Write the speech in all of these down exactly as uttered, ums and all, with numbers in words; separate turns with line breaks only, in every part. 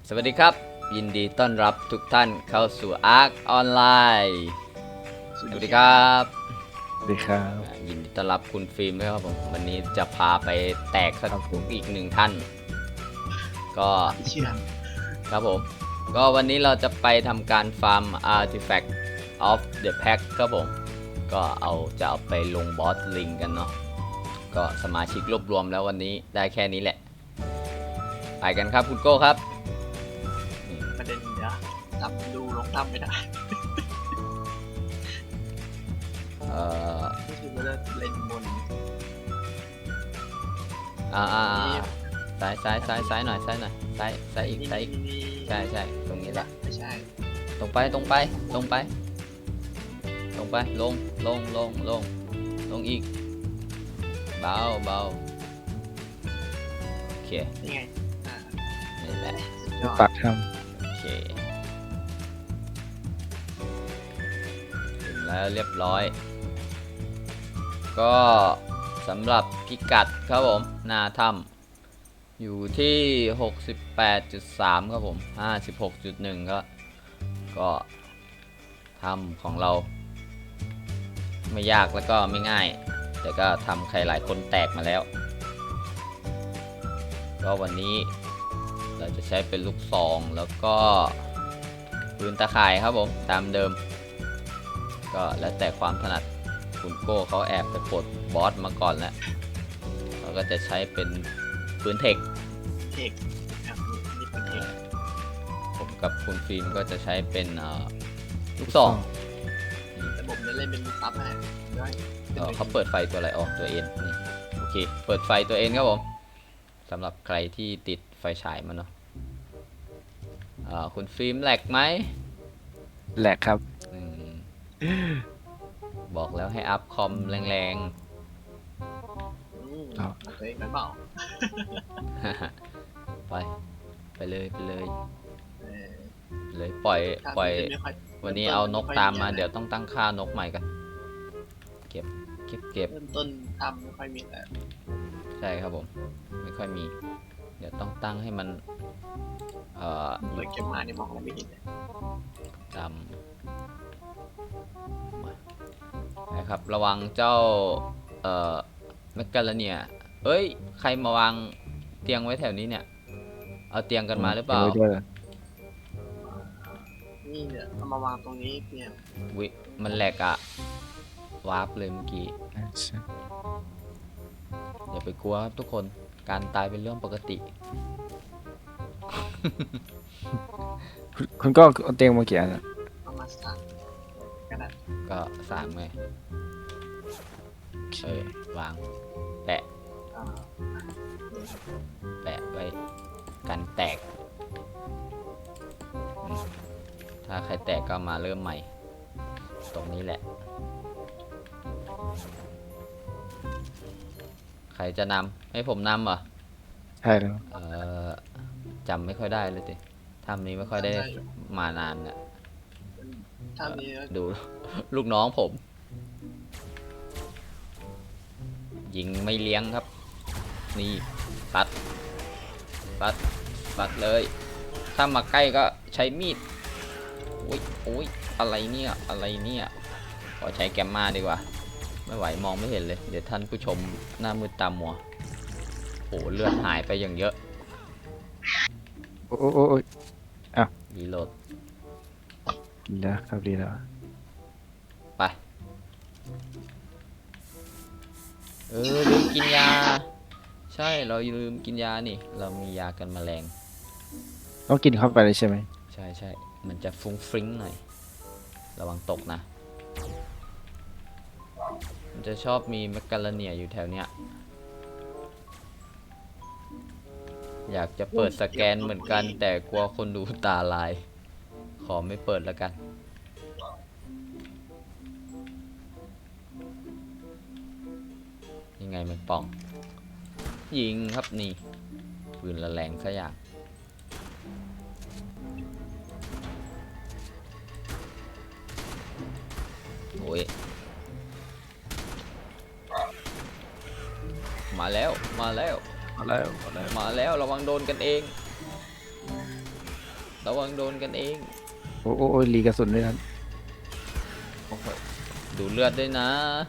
สวัสดีครับยินดีต้อนรับทุกท่านเข้าสู่ Ark ออนไลน์สวัสดีครับ
สวัสดีครับ
ยินดีต้อนรับคุณฟิล์มด้วยครับผมวันนี้จะพาไปแตกสักอีกหนึ่งท่านก็
เชื่อ
ครับผมก็วันนี้เราจะไปทำการฟาร์ม Artifact of the Pack ครับผมก็เอาจะเอาไปลงบอสลิงกันเนาะก็สมาชิกรวบรวมแล้ววันนี้ได้แค่นี้แหละไปกันครับคุณโก้ครับ
ประเด็นเดี๋ยวจับดูลงตั้มไม่ได้
เอ่อ
ก็คือว่าเล่นบน
อ่าอ่าซ้ายซ้ายซ้ายซ้ายหน่อยซ้ายหน่อยซ้ายซ้ายอีกซ้ายอีกใช่ใช่ตรงนี้แหละ
ไม่ใช่
ตรงไปตรงไปตรงไปตรงไปลงลงลงลงลงอีกเบาเบาโอเค
นี่ไงอ่า
นี่แหละ
ปักท
โอเคถึงแล้วเรียบร้อยก็สำหรับพิกัดครับผมหน้าถ้ำอยู่ที่ หกสิบแปดจุดสาม ครับผม ห้าสิบหกจุดหนึ่ง ก็ก็ถ้ำของเราไม่ยากแล้วก็ไม่ง่ายแต่ก็ทำใครหลายคนแตกมาแล้วก็วันนี้เราจะใช้เป็นลูกซองแล้วก็ปืนตะข่ายครับผมตามเดิมก็แล้วแต่ความถนัดคุณโก้เขาแอบไปปลดบอสมาก่อนแล้วเราก็จะใช้เป็นปืนเทค
เทคครับนี่เป็นเทค
ผมกับคุณฟิล์มก็จะใช้เป็นลูกซอง
แต่ผมจะเล่นเป็นซับให้ด้วย
เขาเปิดไฟตัวอะไรออกตัวเอ็นนี่โอเคเปิดไฟตัวเอ็นครับผมสำหรับใครที่ติดไฟฉายมาเนาะคุณฟิล์มแหลกไหม
แหลกครับ
บอกแล้วให้อัพคอมแรง
ๆครับตัวเองไม่เบา
ไปไปเลยไปเลยเลยปล่อยปล่อยวันนี้เอานกตามมาเดี๋ยวต้องตั้งค่านกใหม่กันเก็บเก็บเก็บ
เริ่มต้นทำไม่ค่อยมีแต่
ใช่ครับผมไม่ค่อยมีเดี๋ยวต้องตั้งให้มันเอ่อ
เลยเก็บมาเนี่ยมองอะไรไม่เห็นเลย
จำนะครับระวังเจ้าเอ่อแมกกาลาเนียเอ้ยใครมาวางเตียงไว้แถวนี้เนี่ยเอาเตียงกันมาหรือเปล่า
นี่เนี่ยเอามาวางตรงนี้เตียง
วิมันแหลกอะวาร์ปเลยเมื่อกี้อย่าไปกลัวครับทุกคนการตายเป็นเรื่องปกติ
คุณก็เอาเตียงมาเกี่ยนะ
เอามาสามก็ได้
ก็สามไงเออวางแปะแปะไว้กันแตกถ้าใครแตกก็มาเริ่มใหม่ตรงนี้แหละใครจะนำให้ผมนำเหรอ
ใช่แล้ว
เออจำไม่ค่อยได้เลยสิถ้ำนี้ไม่ค่อยได้มานานเนี่ยดูลูกน้องผมยิงไม่เลี้ยงครับนี่ปัดปัดปัดเลยถ้ามาใกล้ก็ใช้มีดโอ้ยโอ้ยอะไรเนี่ยอะไรเนี่ยขอใช้แกมมาดีกว่าไม่ไหวมองไม่เห็นเลยเดี๋ยวท่านผู้ชมหน้ามืดตามัวโอ้เลือดหายไปอย่างเยอะ
โอ้โอ้โอ้อ้าว
รีโหลด
ดีแล้วครับดีแล้ว
ไปเออลืมกินยาใช่เราลืมกินยานี่เรามียากันแมลง
ต้องกินเข้าไปเลยใช่ไหม
ใช่ใช่มันจะฟุ้งฟริ้งหน่อยระวังตกนะมันจะชอบมีแมกกาลาเนียอยู่แถวเนี้ยอยากจะเปิดสแกนเหมือนกันแต่กลัวคนดูตาลายขอไม่เปิดแล้วกันยังไงมันป่องยิงครับนี่ปืนละแรงซะอย่างโอ้ยมาแล้วมาแล้ว
มาแล้วมาแล้ว
มาแล้วระวังโดนกันเองระวังโดนกันเอง
โอ้โอ้โอ้ยรีกระสุนด้วยครับ
โอ้โหดูเลือดด้วยนะ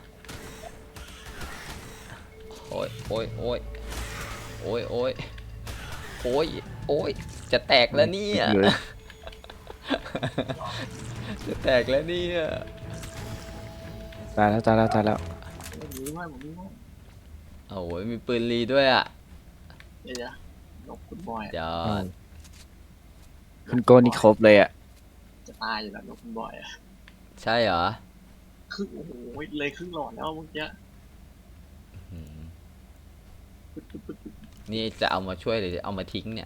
โอ้ยโอ้ยโอ้ยโอ้ยโอ้ยโอ้ยโอ้ยจะแตกแล้วเนี่ย
เยอะ
จะแตกแล้วเนี่ย
ตายแล้วตายแล้วตายแล้ว
ผมมีด้วยผมมีด้วย
โอ้ยมีปืนรีด้วยอ่ะ
เดี๋ยวจะนกคุณบอย
จอ
อื
ด
ม คุณโกนี่ครบเลยอ่ะ
จะตายอยู่แล้วนกคุณบอยอะ
ใช่เหรอ
ครึ่งโอ้โหเลยครึ่งหลอดแล้วเมื่อกี้
อืม
ปึ๊ดปึ๊ดปึ๊ดปึ๊ด
นี่จะเอามาช่วยหรือเอามาทิ้งเนี่ย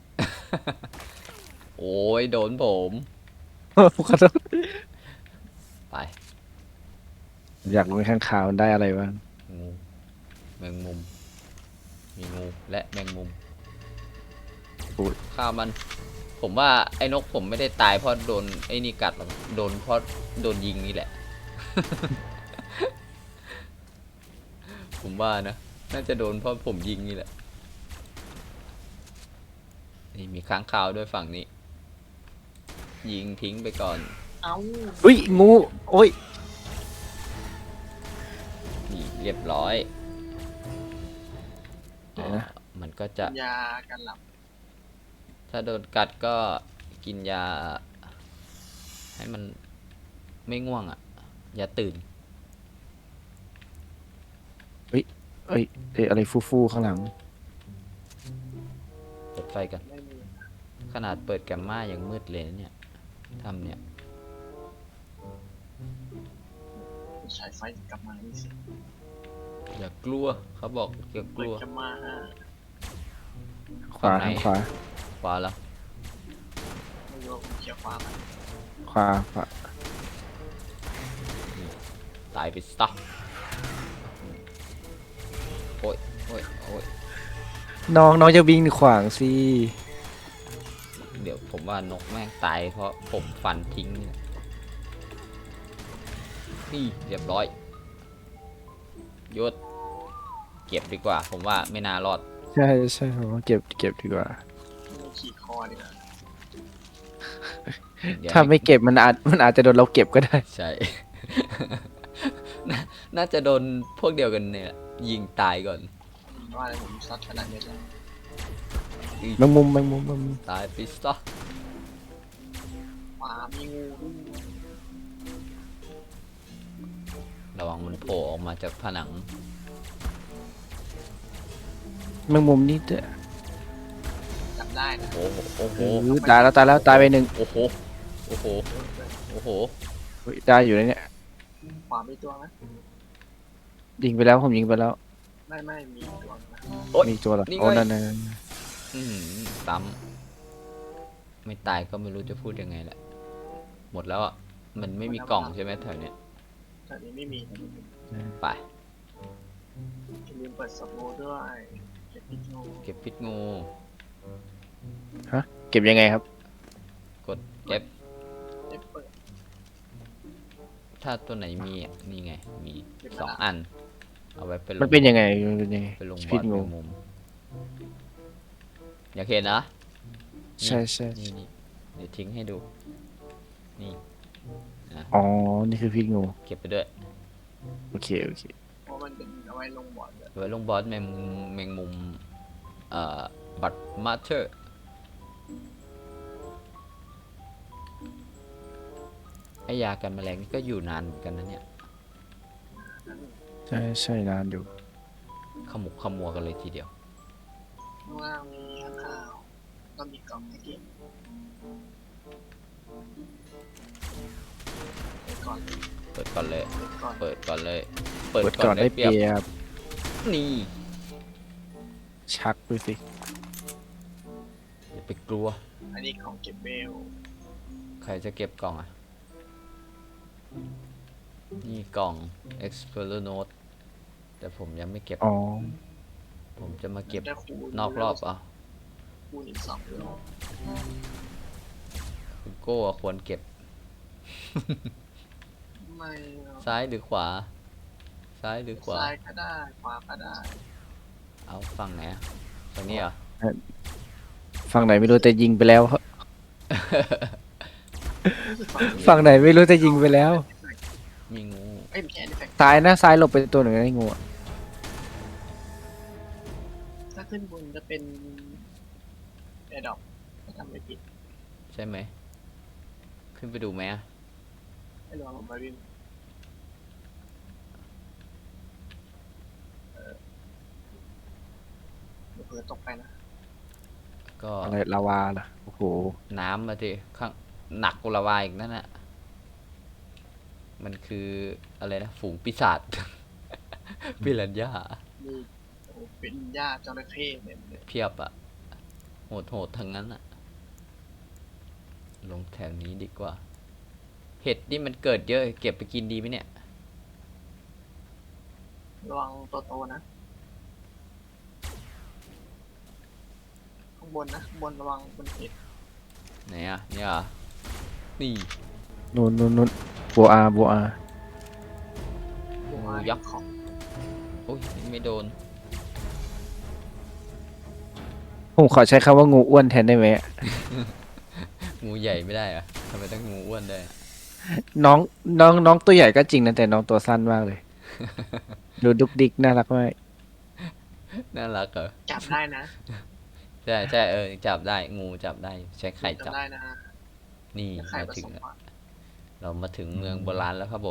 โอ้ยโดนผม
ขอโทษ
ไป
อยากรู้ข้างข่าวมันได้อะไรบ้าง
งูแมงมุม มีงูและแมงมุม
อุ๊ย
ฆ่ามัน ผมว่าไอ้นกผมไม่ได้ตายเพราะโดนไอ้นี่กัดหรอกโดนเพราะโดนยิงนี่แหละ ผมว่านะ น่าจะโดนเพราะผมยิงนี่แหละ นี่มีค้างคาวด้วยฝั่งนี้ ยิงทิ้งไปก่อน
เอ้า
อุ้ยงูโอ้ย
นี่เรียบร้อย
เดี๋ยวนะ
อ๋อมันก็จะ
ยากันหลับ
ถ้าโดนกัดก็กินยา ให้มันไม่ง่วงอ่ะ อย่าตื่น
เอ้ยเอ้ยอะไรฟู่ๆข้างหลัง
เปิดไฟกัน
ไม่มี
ขนาดเปิดแกมมายังมืดเลยนะเนี่ยทำเนี่ย
ใช้ไฟกลับมานี่สิ
อย่ากลัว เขาบอกอย่าก
เปิ
ลั
ด
ว
กลับมา
ขวา
ฝั่
ทาง
งไหน
ขวา
ขวาแล้ว
ไม่รู้ว่าผมเขียวฟ้ามัน
ขวาขวา
ตายไปซะโอ้ยโอ้ยโอ้ย
น้องน้องจะวิ่งขวางสิ
เดี๋ยวผมว่านกแม่งตายเพราะผมฟันทิ้งเนี่ยนี่เรียบร้อยหยุดเก็บดีกว่า ผมว่าไม่น่ารอด
ใช่ใช่ผมว่าเก็บเก็บดีกว่า
ไม่ขี่คอดีกว่า
เดี๋ยว
ถ้า
ให้
ไม่เก็บมันอาจมันอาจจะโดนเราเก็บก็ได้
ใช่ น่าน่าจะโดนพวกเดียวกันเนี่ยยิงตายก่อน
ว่าอะไรผมซัดขนาดนี้แล้ว
แมงมุมแมงมุมแมงมุม
ตายไปซะ
ปลามีงูด้วย
ระวังมันโผล่ออกมาจากผนัง
แมงมุมนี่เด้อ
จับได้นะ
โอ้โหโอ้โห
เออตายแล้วตายแล้วตายไปหนึ่ง
โอ้โหโอ้โหโอ้โห
เฮ้ยได้อยู่นะเนี่ย
ขวามีตัวไหม
ยิงไปแล้วผมยิงไปแล้ว
ไม่ไม่มีตัวนะ
โอ๊ย
มีตัวเหรอ
นี่ไง
โอ้นั่นนั่นนั่น
อืมซ้ำไม่ตายก็ไม่รู้จะพูดยังไงแหละ หมดแล้วอ่ะ มันไม่มีกล่องใช่ไหมแถวเนี้ย
แต่นี้ไม่มี
ไป
อย่าลืมเปิดสโมด้วยเก็บพิษงู
เก็บพิษงู
เก็บยังไงครับ
กดเก็บ
เก็บเปิด
ถ้าตัวไหนมีอ่ะนี่ไง มี
เก็บ
สอง
มาละ
อัน เอาไว้ไปลง
มันเป็นยังไงมันเป็นยังไง
ไปลงบ
พิ
อ
ษ
ล
งู
แมงมุม อยากเห็นนะ
ใช่ใช่
นี่นี่เดี๋ยวทิ้งให้ดู นี่
อ๋อนี่คือพิษงู
เก็บไปด้วย
โอเคโอเค
เพราะมันเป็นเอาไว้ลงบอร์ดเลย
ไว้ลงบอสแมงมุมแมงมุมเอ่อบัตมาเชอร์ไอยากันแมลงนี่ก็อยู่นานเหมือนกันนะเนี่ย
ใช่ใช่นานอยู่
ขมุกขมัวกันเลยทีเดียว
ข้างล่างมีข้างข้าวก็มีกล่องให้เก็บไปก่อน
เปิดก่อนเลย
ไปก่อน
เปิดก่อนเลย
เปิดก่อนได้เปรียบ
นี่
ชักดูสิ
อย่าไปกลัว
อันนี้ของเก็บเบล
ใครจะเก็บกล่องอ่ะ นี่กล่อง Explorer Note แต่ผมยังไม่เก็บ
อ๋อ
ผมจะมาเก็บ
ได้คูณ
นอกรอบอ่ะ
คูณอีกสองเบล
คุณโก้อะควรเก็บ
ไม่เอา
ซ้ายหรือขวา ซ้ายหรือขวา
ซ้ายก็ได้ขวาก็ได้
เอาฝั่งไหนอะฝั่งนี้เหรอ
ฝั่งไหนไม่รู้แต่ยิงไปแล้วฝั่งไหนไม่รู้จะยิงไปแล้ว
มีงู
เอ้ยไม่ใช่ artifact
ซ้ายนะซ้ายหลบไปตัวหนึ่งไอ้งูอะ
ถ้าขึ้นบนจะเป็นแอร์ดรอปถ้าทำไม่ผิด
ใช่ไหม ขึ้นไปดูไหมอะ
ให้ลองลงมาวิ่งเออเดี๋ยวเผื่อตกไปนะ
ก็
อะไรลาวาล่ะโอ้โห
น้ำมาสิข้างหนักกุลาวาอีกนั่นน่ะ มันคืออะไรนะ ฝูงปีศาจ ปิรันย่า
มีโอ้โหเป็นหญ้าจระเข้เนี่ยเลย
เพียบอะโหดโหดทั้งนั้นอะลงแถวนี้ดีกว่า เห็ดนี่มันเกิดเยอะ เก็บไปกินดีไหมเนี่ย
ระวังตัวโตนะ ข้างบนนะข้างบนระวังบนเห็ด
ไหนอะเนี่ยเหรอนี่
นู่นนู่นนู่นบัวอาบัวอา
หัว
ยักษ์
ของ
โอ้ยไม่โดน
ผมขอใช้คำว่างูอ้วนแทนได้ไหมอะ
งูใหญ่ไม่ได้อะทำไมต้องงูอ้วนได้วย
น้องน้องน้องตัวใหญ่ก็จริงนะแต่น้องตัวสั้นมากเลย ดูดุกดิกน่ารักมาก
น่ารักเหรอ
จับได้นะ
ใช่ใช่เออจับได้งูจับได้ใช้ไข่จับ
ได้นะ
นี่
ไข่
มา
ผ
ถึ
ส
ง
ม
แล้ว
อ่ะ
เรามาถึงเมืองโบราณแล้วครับผม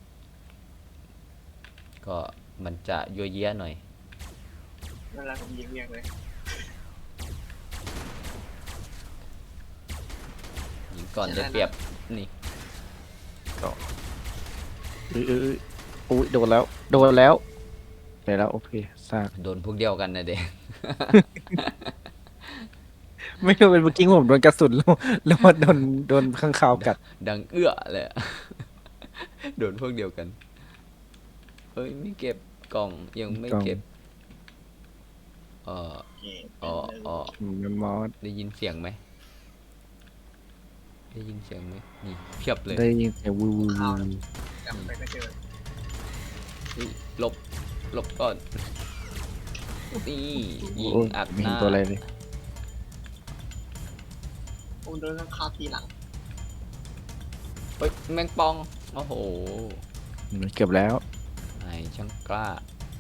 ก็มันจะยัวเยี้ยหน่อย
เวลาผมยิงเรียงเลย
ยิงก่อนได้เปรียบนี่
เอ้ยเอ้ยเอ้ยอุ้ยโดนแล้ว โดนแล้วเดี๋ยวแล้วโอเคซาก
โดนพวกเดียวกันนะเด็ก
ไม่รู้เป็นเมื่อกี้ผมโดนกระสุนแล้วแล้วมาโดนโดนข้างคาวกัด
ดังเอื้อเลยอะ โดนพวกเดียวกันเฮ้ยไม่เก็บกล่องยังไม่
กล่อง
เก็บเออ
โอเค
อ๋ออ๋อ
อืมมันมอส
ได้ยินเสียงไหมได้ยินเสียงไหมนี่เพียบเลย
ได้ยินเสียงวูวูวู
จับไปก็เจอ
เฮ้ยหลบหลบก่อนนี่ยิง
โอ้ย
อัด
ไม่
ห
เห็น
น้า
ตัวอะไรเลย
ผมโดนข้างคาวทีหลัง
เฮ้ยแมงปองโอ้โห
มันเกือบแล้ว
ไอ้ช่างกล้า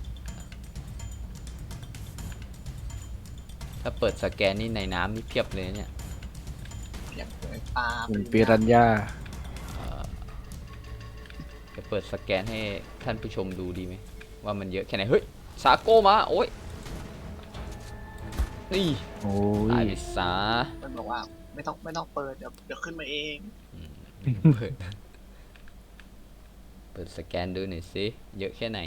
ถ้าเปิดสแกนนี่ในน้ำนี่เพียบเลยเนี่ย
เปียกเลยปลา
เหมือนปิรันย่า
เอ่อจะเปิดสแกนให้ท่านผู้ชมดูดีไหมว่ามันเยอะแค่ไหนเฮ้ยซาโก้มาโอ้ยนี่
โอ้
ตาย
ย
ไปซะ
มันบอกว่าไม่ต้องไม่ต้องเปิดเดี๋ยวเดี๋ยวขึ้นมาเอง
เปิดเปิดสแกนดูหน่อยสิเยอะแค่ไหน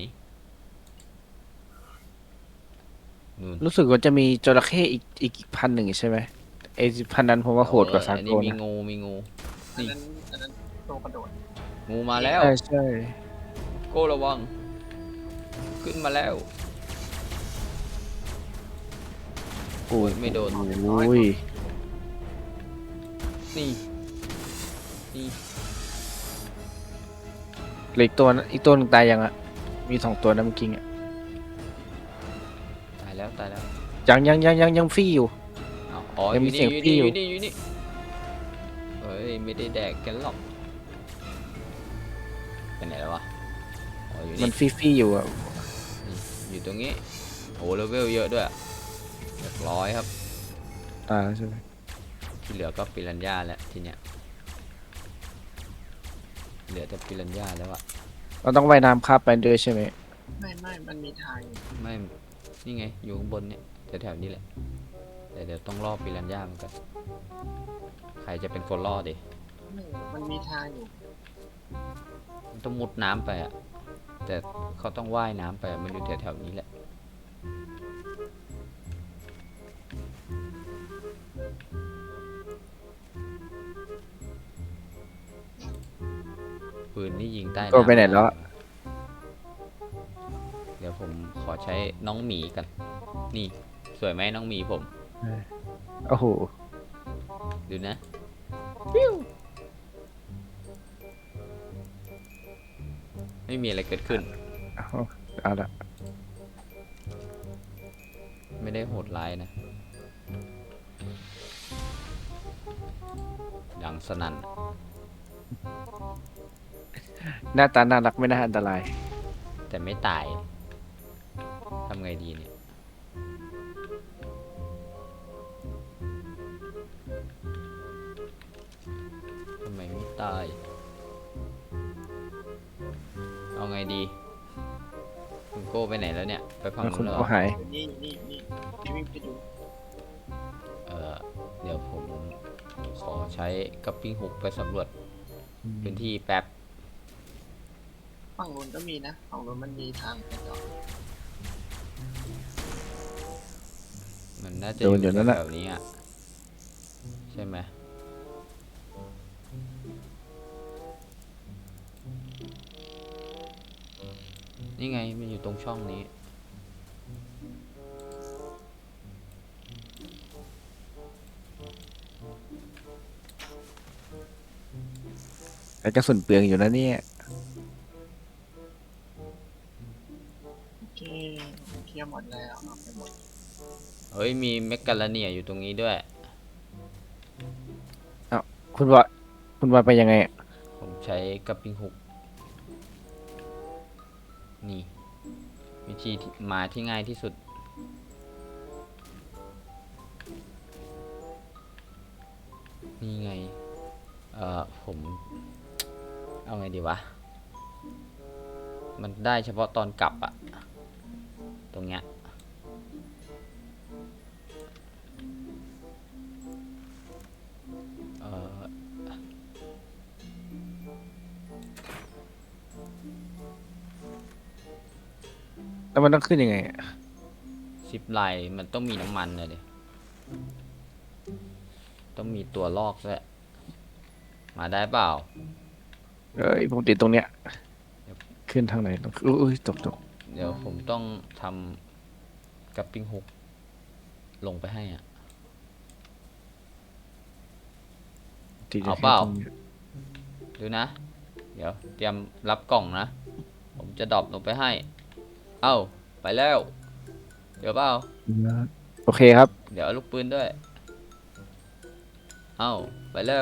นู่น
รู้สึกว่าจะมีจระเข้อีกอีกอีกพันหนึ่งใช่ไหมไอพันนั้นผมว่าโหดกว่าซา
อัน
โก
นี้มี
นะ
งูมีงู
อันนั้นอันนั้นโตกระโดด
งูมาแล้ว
ใช่ใช่
โก้ระวัง ขึ้นมาแล้ว
โอ้ย
ไม่โดน
โอ้ย
นี่นี่
เหลืออีกตัวนะอีกตัวหนึงตายยังอ่ะมีสองตัวนะเมื่อกี้อ่ะ
ตายแล้วตายแล้ว
ยังยังยังยังยังฟรีอยู่
อ้าวอ๋ออ
ยังมี
ยู่นี่
เสี
อย
ง
ยู่
พี่
นี่
อยู่
อยู่นี่อยู่นี่เฮ้ยไม่ได้แดกกันหรอกไปไหนแล้ววะอ๋ออยู่
มั
นี่
นฟรีฟรีอยู่อ่ะ
นี่อยู่ตรงนี้โอ้เลเวลเยอะด้วยเรียบร้อยครับ
ตายแล้วใช่ไหม
ที่เหลือก็ปิรันย่าแล้วทีเนี้ยเหลือแต่ปิรันย่าแล้วอะ
เราต้องว่ายน้ำข้ามไปด้วยใช่ไหม
ไม่ไม่มันมีทางอยู่
ไม่นี่ไงอยู่ข้างบนเนี่ยแถวๆนี้แหละแต่เดี๋ยวต้องล่อปิรันย่าเหมือนกันใครจะเป็นคนล่อดิ
ไม่มันมีทางอยู่
มันต้องมุดน้ำไปอะแต่เขาต้องว่ายน้ำไปอะมันอยู่แถวๆนี้แหละปืนนี่ยิงใต้
ก็
น้ำ
ไปไหนแล้วอะ
เดี๋ยวผมขอใช้น้องหมีกัน นี่สวยไหมน้องหมีผม
โอ้โห
ดูนะปิ้วไม่มีอะไรเกิดขึ้น
เอาเอาละ
ไม่ได้โหดร้ายนะสนั่น
หน้าตาน่ารักไม่น่าอันตราย
แต่ไม่ตายทำไงดีเนี่ยทำไมไม่ตายเอาไงดีคุณโก้ไปไหนแล้วเนี่ยไปฝั่ง
แล้วคุ
นู้
ณ
นเหร
ก็
อ
หาย
นี่นี่นี่นี่วิ่งไปดู
เออเดี๋ยวผมขอใช้กับปิ้งฮุกไปสำรวจพื้นที่แป๊บ
ฝั่งนู้นก็มีนะฝั่งนู้นมันมีทางไปต่อ
มันน่าจะ
โด
อน
อยู่
ยู่
นั่นแหละ
แถวๆนี้อ่ะใช่ไหมนี่ไงมันอยู่ตรงช่องนี้
แต่กระสุนเปลืองอยู่นะเนี่ย
โอเคเคลียร์หมดแล้วเอาไปหมด
เฮ้ยมีเมกกาลาเนียอยู่ตรงนี้ด้วย
คุณว่าคุณว่าไปยังไงอะ
ผมใช้กับปิ้งฮุกนี่ วิธีที่มาที่ง่ายที่สุด นี่ไง เอ่อ ผม เอาไงดีวะ มันได้เฉพาะตอนกลับอะตรงเนี้ย เอ่อ
แล้วมันต้องขึ้นยังไงอะ
ซิปไลน์มันต้องมีน้ำมันเลยดิต้องมีตัวลอกด้วยมาได้เปล่า
เอ้ยผมติดตรงเนี้ย ขึ้นทางไหนต้องอุ้ยตกตก
เดี๋ยวผมต้องทำกับปิ้งฮุกลงไปให้อ่ะ
ติด
เอาเปล่า
ตรงนี้ย
ดูนะ เดี๋ยวเตรียมรับกล่องนะ ผมจะดรอปลงไปให้ เอ้า ไปแล้ว เดี๋ยวเปล่า
โอเคครับ
เดี๋ยวเอาลูกปืนด้วย เอ้า ไปแล้ว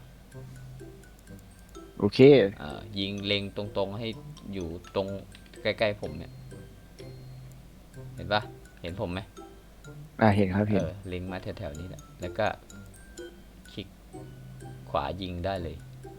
โอเค
อ่ายิงเล็งตรงๆให้อยู่ตรงใกล้ๆผมเนี่ย เห็นปะเห็นผมไหม
อ่าเห็นครับเห็น
เออเล็งมาแถวๆนี้แหละแล้วก็คลิกขวายิงได้เลย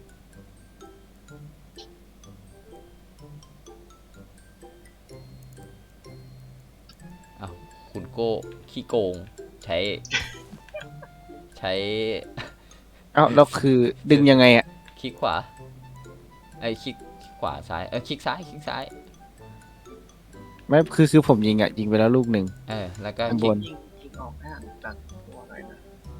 อ้าวคุณโก้ขี้โกง ใช้ ใช้
เอ้าแล้วคือดึงยังไงอ่ะ
คลิกขวา ไอ้ยคลิกคลิกขวาซ้าย เออคลิกซ้ายคลิกซ้าย
ไม่คือคือผมยิงอ่ะยิงไปแล้วลูกหนึ่ง
เออ แล้วก็
ข้าง
ค
บ
ลิก
น
ยิงยิงออกห่างจากตัวหน่อยนะ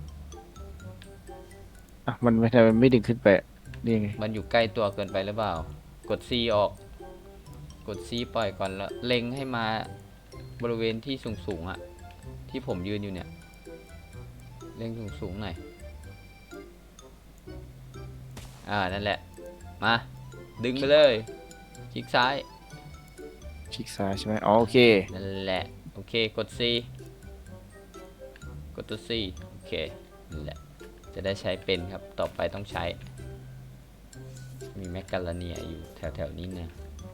อ่ะมันไม่ทำไมไม่ดึงขึ้นไปนี่ยังไง
มันอยู่ใกล้ตัวเกินไปหรือเปล่า กด C ออก กด C ปล่อยก่อนแล้ว เล็งให้มาบริเวณที่สูงๆอ่ะ ที่ผมยืนอยู่เนี่ย เล็งสูงๆหน่อย อ่า นั่นแหละ มา ดึงไปเลย คลิกซ้าย
คลิกซ้ายใช่ไหมอ๋อโอเค
นั่นแหละ โอเค กด C กดตัว C โอเค นั่นแหละ จะได้ใช้เป็นครับ ต่อไปต้องใช้ มีแมกกาลาเนียอยู่แถวๆนี้นะ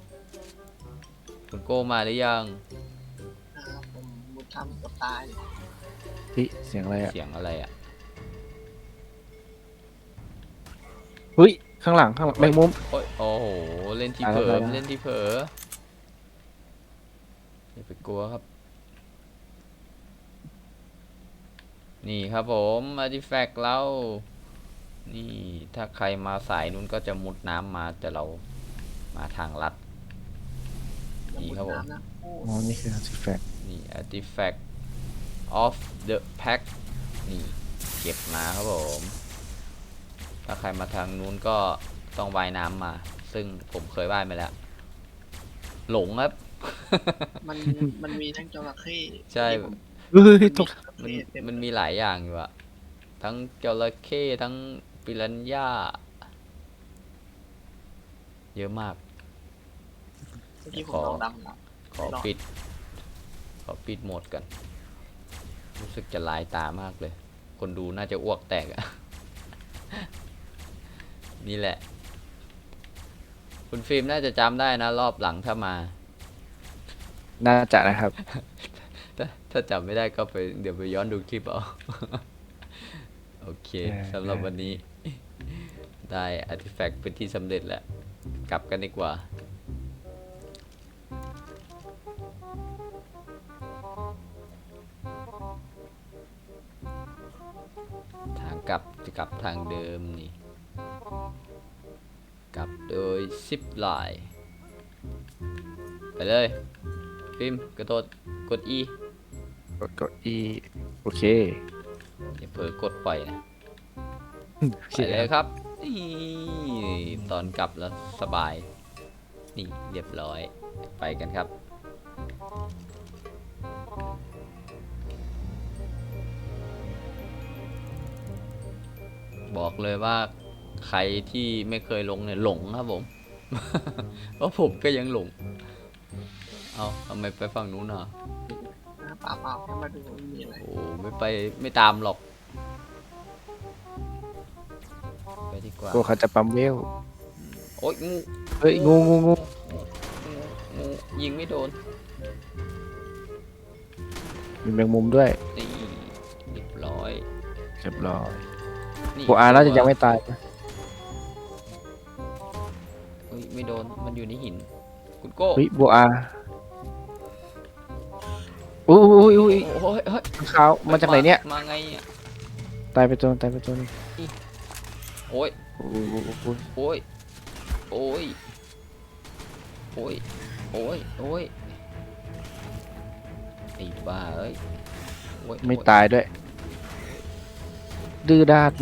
คุณโก้มาหรือยัง
นะครับผมมุดทำกับตาย
เฮ้ยเสียงอะไรอ่ะ
เสียงอะไรอ่ะ
เฮ้ยข้างหลังข้างหลังแมงมุม
โอ้ยโอ้โห เล่นที่
ตาย
เผล
แล้ว
อ
ตายแล้ว
เล่นที่เผลออย่าไปกลัวครับ นี่ครับผมอาร์ติแฟกต์เรา นี่ถ้าใครมาสายนู้นก็จะมุดน้ำมาแต่เรามาทางลัด นี่ครับผม
น้ำนะโอ้
อ๋อนี่คือ artifact
นี่ artifact of the pack นี่เก็บมาครับผม ถ้าใครมาทางนู้นก็ต้องว่ายน้ำมา ซึ่งผมเคยว่ายมาแล้ว หลงครับ
มันมันมีทั้งจระเข้
ใช่
ที่ผม
เฮ้ยตก
มัน
เต็ม
มันมีหลายอย่างอยู่อะทั้งจระเข้ทั้งปิรันย่า เยอะมาก
เมื่อกี้ผ
ข
ม
อ
ลองดำแล้ว
ขอปิด ขอปิดโหมดกัน รู้สึกจะลายตามากเลย คนดูน่าจะอ้วกแตกอะนี่แหละ คุณฟิล์มน่าจะจำได้นะรอบหลังถ้ามา
น่าจะนะครับ
ถ้าถ้าจำไม่ได้ก็ไปเดี๋ยวไปย้อนดูคลิปเอา โอเค
ได้
สำหรับ
ได้
วันนี้ ได้อาร์ติแฟกต์เป็นที่สำเร็จแล้ว กลับกันดีกว่า ทางกลับจะกลับทางเดิมนี่ กลับโดยซิปไลน์ไปเลย ฟิล์มกระโดดกด E
กดกดอีโอเค
อย่าเผลอกดปล่อยนะ
โอ
ไป
เค
เลยครับนี่ตอนกลับแล้วสบาย นี่เรียบร้อยไปกันครับ บอกเลยว่าใครที่ไม่เคยลงเนี่ยหลงครับผม เพราะผมก็ยังหลง เอาทำไมไปฝั่งนู้นอ่ะ
นะเปล่าเปล่าแค่มาดูว่ามีอะไร
โอ้ไม่ไปไม่ตามหรอก ไปดีกว่า
กลัวเขาจะปั๊มเวล
โอ๊ยงู
เฮ้ยงูงูงู
งูงูยิงไม่โดน
มีแมงมุมด้วย
นี่เรียบร้อย
เรียบร้อย
นี่
โบอาน่าจะยังไม่ตายนะ
เฮ้ยไม่โดนมันอยู่ในหิน คุณโก้
เฮ้ยโบอาอุ้ยอุ้ยอุ้ย
โอ้ยเฮ้ย
ขาวมาจากไหนเนี่ย
มาไงเนี่ย
ตายไปตัวตายไปตัวนึง
โอ้ย
โอ้ยโอ้ยโอ้ย
โอ้ยโอ้ยโอ้ยโอ้ยโอ้ยไอ้บ้าเอ้ยโอ้ย
ไม่
โอ้
ตายด้วย ดื้อด้าน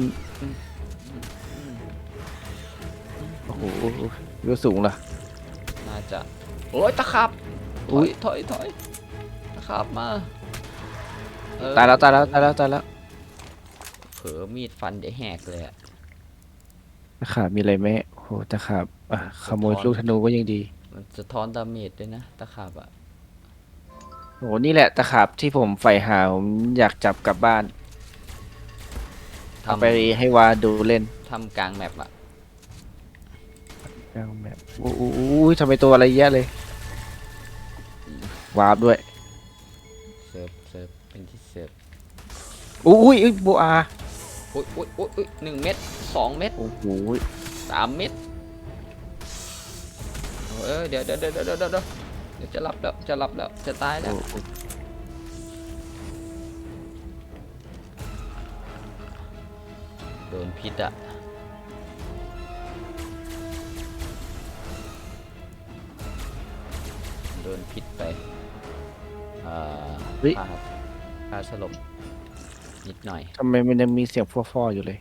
โอ้โหเรือสูงล่ะ
น่าจะโอ้ยตะขับถ
อุ๊
อย
ย
ถอยถอยตะขับมาเออ
ตายแล้วตายแล้วตายแล้วตายแล้ว
เผลอมีดฟันได้แหกเลยอะ
ตะขาบมีอะไรไหมโอ้โหตะขาบอ่ะขโมย
สะท้อน
ลูกธนูก็ยังดี
มันสะท้อนดาเมจด้วยนะตะขับอะ
โอ้โหนี่แหละตะขาบที่ผมใฝ่หาผมอยากจับกลับบ้านเอา
ทำ
ไปให้วาดูเล่น
ทำกลางแมปอะ
กลางแบบโอ้โหทำไมตัวอะไรเยอะเลย วาร์ปด้วย
เสิร์ฟเสิร์ฟเป็นที่เสิร์ฟ
อุ้ยอุ้ยโบอา
อุ้ยอุ้ยอุ้ยอุ้ยหนึ่งเม็ดสองเม็ด
โอ้โห
สามเม็ดเออเดี๋ยวเดี๋ยวเดี๋ยวเดี๋ยวเดี๋ยวเดี๋ยวเดี๋ยวจะหลับแล้วจะหลับแล้วจะตายแล้วโดนพิษอะโดนพิษไปอ่าฆ่าฆ่าสลบนิดหน่อย
ทำไมมันยังมีเสียงฟอๆอยู่เลย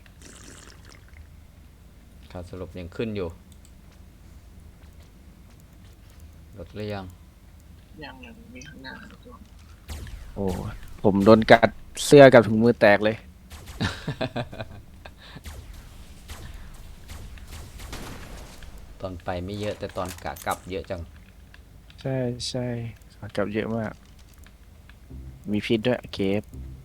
ค่าสลบยังขึ้นอยู่ลดหรือยัง
ยังยังมีข้างหน้าตัว
โอ้ผมโดนกัดเสื้อกับถุงมือแตกเลย
ตอนไปไม่เยอะแต่ตอนกะกลับเยอะจัง
ใช่ใช่ขากลับเยอะมาก มีพิษด้วยเก็บ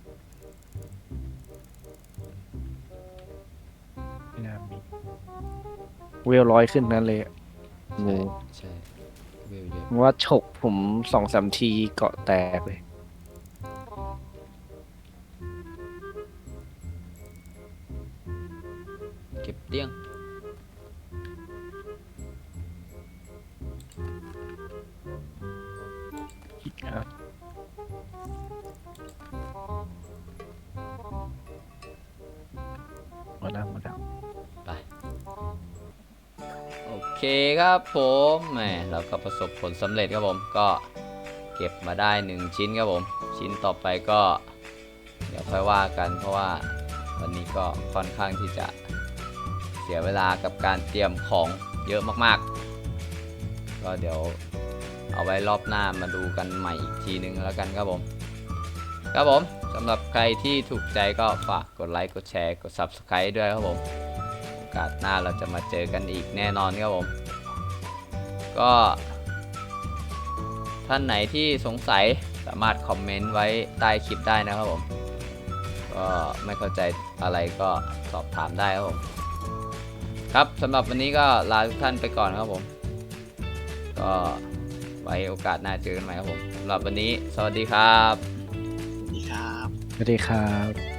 ไม่น่ามีเวลร้อยขึ้นนั้นเลยอะงู
ใช่วิวเยอะ
ว่าฉกผมสองสามทีเกาะแตกเลย
เก็บเตี้ยง
ครับมาแล้วมาแล้ว
ไปโอเคครับผมแหมเราก็ประสบผลสำเร็จครับผมก็เก็บมาได้หนึ่งชิ้นครับผมชิ้นต่อไปก็เดี๋ยวค่อยว่ากันเพราะว่าวันนี้ก็ค่อนข้างที่จะเสียเวลากับการเตรียมของเยอะมากๆก็เดี๋ยวเอาไว้รอบหน้ามาดูกันใหม่อีกทีนึงแล้วกันครับผมครับผมสำหรับใครที่ถูกใจก็ฝากกดไลค์กดแชร์กด ซับสไครบ์ ด้วยครับผมโอกาสหน้าเราจะมาเจอกันอีกแน่นอนครับผมก็ท่านไหนที่สงสัยสามารถคอมเมนต์ไว้ใต้คลิปได้นะครับผมก็ไม่เข้าใจอะไรก็สอบถามได้ครับผมครับสำหรับวันนี้ก็ลาทุกท่านไปก่อนครับผม ก็ไว้โอกาสหน้าเจอกันใหม่ครับผมสำหรับวันนี้สวัสดีครับ
สวัสดีครับ
สวัสดีครับ